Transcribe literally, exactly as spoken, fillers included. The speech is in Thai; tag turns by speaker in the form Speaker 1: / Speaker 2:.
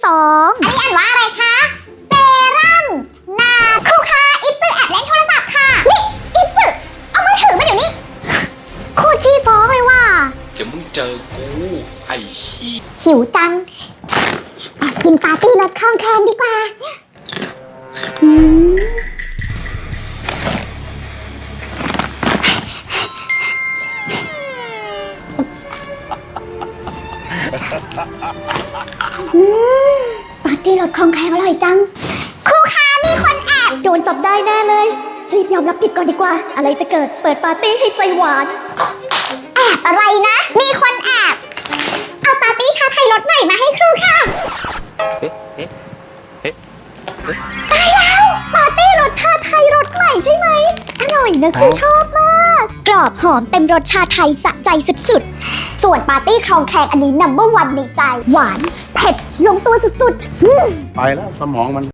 Speaker 1: สองอันนี้อ่านว่าอะไรคะเซรั่มนาครูคะอิฟซึแอบเล่นโทรศัพท์ค่ะนี่อิฟซึเอามือถือมาเดี๋ยวนี้โคตรขี้ฟ้องเลยว่ะ
Speaker 2: เดี๋ยวมึงเจอกูไอ้ขี้
Speaker 1: หิวจังแอบกินปาร์ตี้รสคลองแคลนดีกว่าอืมอืมปาร์ตี้รสคลองแคลนอร่อยจังครูคะมีคนแอบโดนจับได้แน่เลยรีบยอมรับผิดก่อนดีกว่าอะไรจะเกิดเปิดปาร์ตี้ให้ใจหวานแอบอะไรนะมีคนแอบเอาปาร์ตี้ชาไทยรสใหม่มาให้ครูค่ะตายแล้วปาร์ตี้รสชาไทยรสใหม่ใช่ไหมอร่อยนะคือชอบมากกรอบหอมเต็มรสชาไทยสะใจสุดๆส่วนปาร์ตี้คลองแคลนอันนี้นัมเบอร์วันในใจหวานเผ็ดลงตัวสุดๆ
Speaker 3: ไปแล้วสมองมัน